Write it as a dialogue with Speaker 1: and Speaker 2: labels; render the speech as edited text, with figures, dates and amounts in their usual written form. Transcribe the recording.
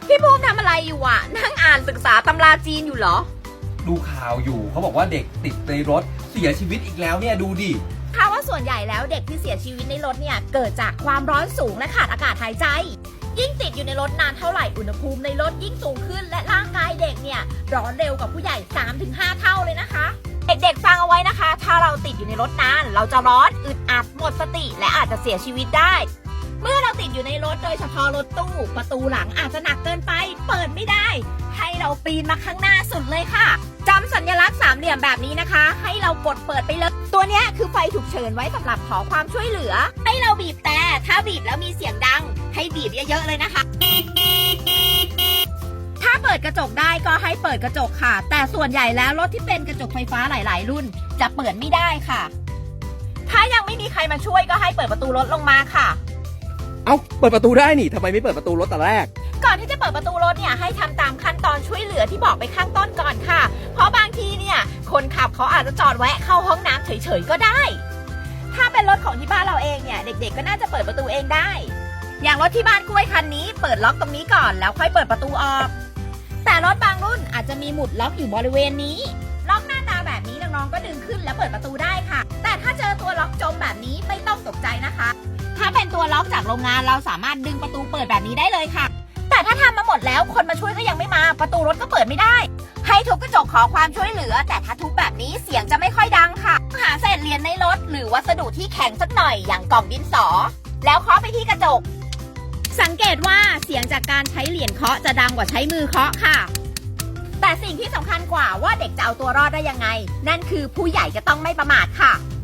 Speaker 1: พี่ภูมิทำอะไรอยู่อ่ะนั่งอ่านศึกษาตำราจีนอยู่เหรอ
Speaker 2: ดูข่าวอยู่เขาบอกว่าเด็กติดในรถเสียชีวิตอีกแล้วเนี่ยดูดิ
Speaker 1: ถ้าว่าส่วนใหญ่แล้วเด็กที่เสียชีวิตในรถเนี่ยเกิดจากความร้อนสูงและขาดอากาศหายใจยิ่งติดอยู่ในรถนานเท่าไหร่อุณหภูมิในรถยิ่งสูงขึ้นและร่างกายเด็กเนี่ยร้อนเร็วกว่าผู้ใหญ่ 3-5 เท่าเลยนะคะเด็กๆฟังเอาไว้นะคะถ้าเราติดอยู่ในรถนานเราจะร้อนอึดอัดหมดสติและอาจจะเสียชีวิตได้เมื่อเราติดอยู่ในรถโดยเฉพาะรถตู้ประตูหลังอาจจะหนักเกินไปเปิดไม่ได้ให้เราปีนมาข้างหน้าสุดเลยค่ะจำสัญลักษณ์สามเหลี่ยมแบบนี้นะคะให้เรากดเปิดไปเลยตัวนี้คือไฟฉุกเฉินไว้สำหรับขอความช่วยเหลือให้เราบีบแต่ถ้าบีบแล้วมีเสียงดังให้บีบเยอะๆเลยนะคะถ้าเปิดกระจกได้ก็ให้เปิดกระจกค่ะแต่ส่วนใหญ่แล้วรถที่เป็นกระจกไฟฟ้าหลายๆรุ่นจะเปิดไม่ได้ค่ะถ้ายังไม่มีใครมาช่วยก็ให้เปิดประตูรถลงมาค่ะ
Speaker 2: เอ้าเปิดประตูได้นี่ทำไมไม่เปิดประตูรถแต่แรก
Speaker 1: ก่อนที่จะเปิดประตูรถเนี่ยให้ทำตามขั้นตอนช่วยเหลือที่บอกไปข้างต้นก่อนค่ะเพราะบางทีเนี่ยคนขับเขาอาจจะจอดแวะเข้าห้องน้ำเฉยๆก็ได้ถ้าเป็นรถของที่บ้านเราเองเนี่ยเด็กๆก็น่าจะเปิดประตูเองได้อย่างรถที่บ้านกล้วยคันนี้เปิดล็อกตรงนี้ก่อนแล้วค่อยเปิดประตูออกแต่รถบางรุ่นอาจจะมีหมุดล็อกอยู่บริเวณนี้ล็อกหน้าตาแบบนี้น้องๆก็ดึงขึ้นแล้วเปิดประตูได้ค่ะแต่ถ้าเจอตัวล็อกจมแบบนี้ไม่ต้องตกใจนะคะถ้าเป็นตัวล็อกจากโรงงานเราสามารถดึงประตูเปิดแบบนี้ได้เลยค่ะแต่ถ้าทำมาหมดแล้วคนมาช่วยก็ยังไม่มาประตูรถก็เปิดไม่ได้ให้ทุบกระจกขอความช่วยเหลือแต่ถ้าทุบแบบนี้เสียงจะไม่ค่อยดังค่ะหาเศษเหรียญในรถหรือวัสดุที่แข็งสักหน่อยอย่างกล่องดินสอแล้วเคาะไปที่กระจกสังเกตว่าเสียงจากการใช้เหรียญเคาะจะดังกว่าใช้มือเคาะค่ะแต่สิ่งที่สำคัญกว่าว่าเด็กจะเอาตัวรอดได้ยังไงนั่นคือผู้ใหญ่จะต้องไม่ประมาทค่ะ